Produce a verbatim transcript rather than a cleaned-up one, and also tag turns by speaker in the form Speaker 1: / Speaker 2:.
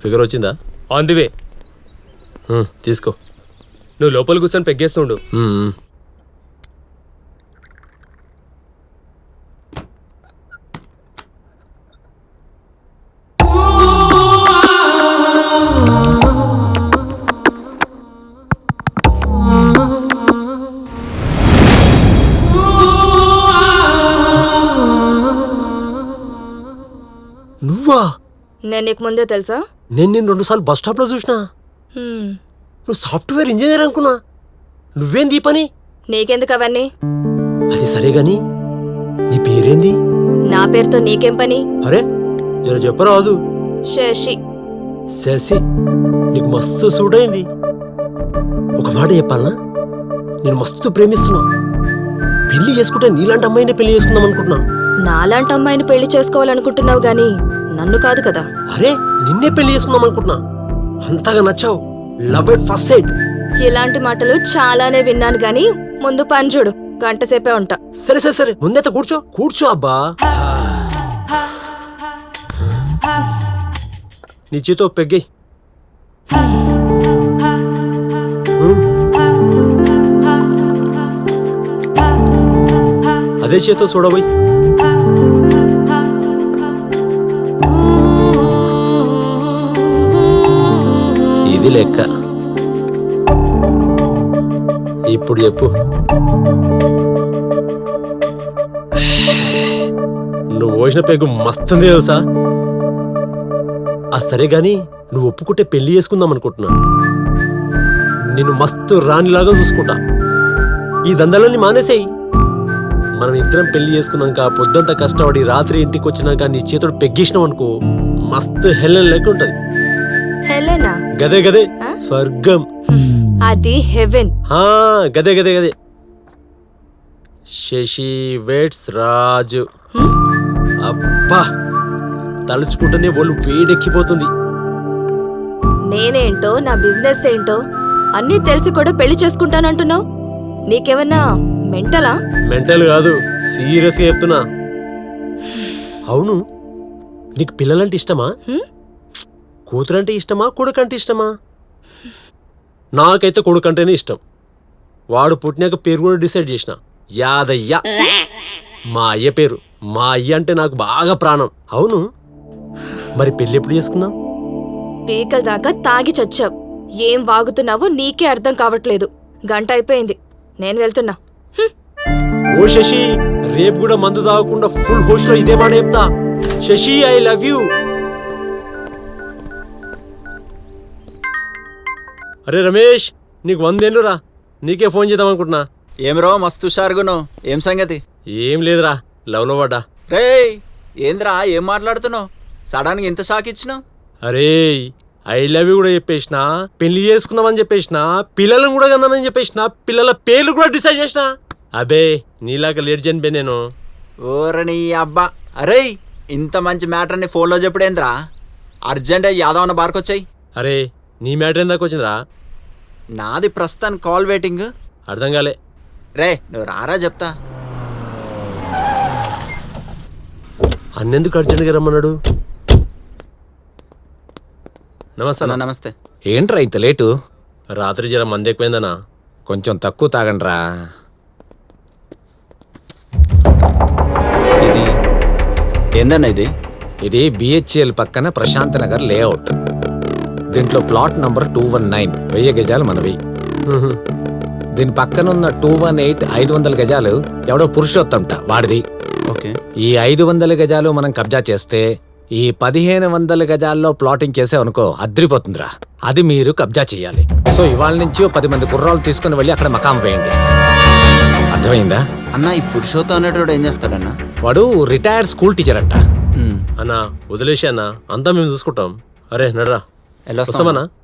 Speaker 1: Figure వచ్చిందా?
Speaker 2: On the way.
Speaker 1: తీసుకో.
Speaker 2: నువ్వు లోపల కూర్చొని పెగ్గేస్తుండు.
Speaker 1: నువ్వా?
Speaker 3: నేను నీకు ముందే తెలుసా?
Speaker 1: నేను నేను రెండు సార్లు బస్ స్టాప్ లో చూసినా. నువ్వు సాఫ్ట్వేర్ ఇంజనీర్ అనుకున్నా. నువ్వేంది ఈ పని?
Speaker 3: నీకెందుకు అవన్నీ?
Speaker 1: అది సరే గాని నీ పేరేంది?
Speaker 3: నా పేరుతో నీకేం పని?
Speaker 1: అరే జర చెప్పరాదు.
Speaker 3: శశి.
Speaker 1: శశి నీకు మస్తు సూట్ అయింది. ఒక మాట చెప్పాలనా, నేను మస్తు ప్రేమిస్తున్నా. పెళ్లి చేసుకుంటే నీలాంటి అమ్మాయినే పెళ్లి చేసుకుందాం అనుకుంటున్నా.
Speaker 3: నాలాంటి అమ్మాయిని పెళ్లి చేసుకోవాలనుకుంటున్నావు గాని నన్ను కాదు కదా.
Speaker 1: అరే నిన్నే పెళ్లి చేసుకుందాం అనుకుంటున్నా. అంతగా నచ్చావు. Love at first sight.
Speaker 3: ఇలాంటి మాటలు చాలానే విన్నాను గాని ముందు పని చూడు. గంట సేపే ఉంటా.
Speaker 1: సరే సరే సరే ముందైతే కూర్చో. కూర్చో అబ్బా. నీ చేతో పెగ్గై. అదే చేతో చూడబోయ్. ఇది లెక్క. ఇప్పుడు చెప్పు, నువ్వు పోసిన పెగ్గు మస్తుంది తెలుసా? ఆ సరే గాని నువ్వు ఒప్పుకుంటే పెళ్లి చేసుకుందాం అనుకుంటున్నా. నిన్ను మస్తు రాణిలాగా చూసుకుంటా. ఈ దందాలన్నీ మానేసేయి. మనం ఇద్దరం పెళ్లి చేసుకున్నాక పొద్దుంతా కష్టపడి రాత్రి ఇంటికి వచ్చినాక నీ చేతుడు పెగ్గేసినాం అనుకో, మస్తు హెలెన్ లెక్క ఉంటది.
Speaker 3: హెలెనా?
Speaker 1: గదే గదే స్వర్గం.
Speaker 3: అది హెవెన్.
Speaker 1: గదే గదే గదే. శశి వెట్స్ రాజు. అబ్బా తలుచుకుంటేనే ఒళ్ళు వేడెక్కిపోతుంది.
Speaker 3: నేనేంటో నా బిజినెస్ ఏంటో అన్నీ తెలిసి కూడా పెళ్లి చేసుకుంటానంటున్నావు. నీకేమన్నా మెంటలా?
Speaker 1: మెంటల్ కాదు, సీరియస్ గా చెప్తున్నా. అవును, నీకు పిల్లలంటే ఇష్టమా? కూతురంటే ఇష్టమా, కొడుకంటే ఇష్టమా? నాకైతే కొడుకంటేనే ఇష్టం. వాడు పుట్టినాక పేరు కూడా డిసైడ్ చేసిన, యాదయ్య. మా అయ్య పేరు. మా అయ్య అంటే నాకు బాగా ప్రాణం. అవును, మరి పెళ్ళి ఎప్పుడు చేసుకుందాం?
Speaker 3: పీకల దాకా తాగి చచ్చావు. ఏం వాగుతున్నావో నీకే అర్థం కావట్లేదు. గంట అయిపోయింది, నేను వెళ్తున్నా.
Speaker 1: ఓ శశి, రేపు కూడా మందు తాగకుండా ఫుల్ హోష్ లో ఇదే మాట చెప్తా. Sashi I love you. అరే రమేష్, నీకు వందేళ్ళు రా. నీకే ఫోన్ చేద్దాం అనుకుంటున్నా.
Speaker 4: ఏం రో మస్తు షార్గును. ఏం సంగతి?
Speaker 1: ఏం లేదురా, లవ్ లో పడ్డా.
Speaker 4: రే ఏంద్రా ఏం మాట్లాడుతున్నావు? సడన్ గా ఇంత షాక్ ఇచ్చినావు?
Speaker 1: అరే ఐ లవ్ యూ కూడా చెప్పేసిన, పెళ్లి చేసుకుందామని చెప్పేసిన, పిల్లలను కూడా కన్నానని చెప్పేసిన, పిల్లల పేర్లు కూడా డిసైడ్ చేసిన. అబే నీలాగా లేట్ చనిపోయి నేను.
Speaker 4: ఓరని అబ్బా. అరే ఇంత మంచి మ్యాటర్ని ఫోన్లో చెప్పుడేంద్రా? అర్జెంట్ అయ్యి యాదవన్న బార్కొచ్చాయి.
Speaker 1: అరే నీ మ్యాటర్ ఎందాక వచ్చిందిరా?
Speaker 4: నాది ప్రస్తుతానికి కాల్ వెయిటింగ్.
Speaker 1: అర్థం కాలే.
Speaker 4: రే నువ్వు రారా చెప్తా.
Speaker 1: అన్నెందుకు అర్జెంట్గా రమ్మన్నాడు? నమస్తే.
Speaker 4: నమస్తే.
Speaker 5: ఏంట్రా ఇంత లేటు?
Speaker 1: రాత్రి జర మంది ఎక్కువైందనా.
Speaker 5: కొంచెం తక్కువ తాగండ్రా.
Speaker 4: ఇది ఏందన్నా? ఇది
Speaker 5: ఇది బిహెచ్ఎల్ పక్కన ప్రశాంత్ నగర్ లేఅవుట్. దీంట్లో plot number two one nine వెయ్యి గజాలు మనవి. దీని పక్కనున్న టూ వన్ ఎయిట్ ఐదు వందల గజాలు ఎవడో పురుషోత్తంట వాడిది.
Speaker 4: ఓకే.
Speaker 5: ఈ ఐదు వందల గజాలు మనం కబ్జా చేస్తే ఈ పదిహేను వందల గజాల్లో ప్లాటింగ్ చేసావనుకో అద్రిపోతుందిరా. అది మీరు కబ్జా చెయ్యాలి. సో ఇవాళ నుంచి ఓ పది మంది కుర్రాలు తీసుకుని వెళ్ళి అక్కడ మకాం వేయండి. అర్థమైందా?
Speaker 4: అన్న ఈ పురుషోత్తం అనేటోడు ఏం చేస్తాడన్నా?
Speaker 5: వాడు రిటైర్డ్ స్కూల్ టీచర్ అంట.
Speaker 1: అన్నా వదిలేసి అన్నా, అంతా మేము చూసుకుంటాం. అరే నడరా, వస్తామన్నా.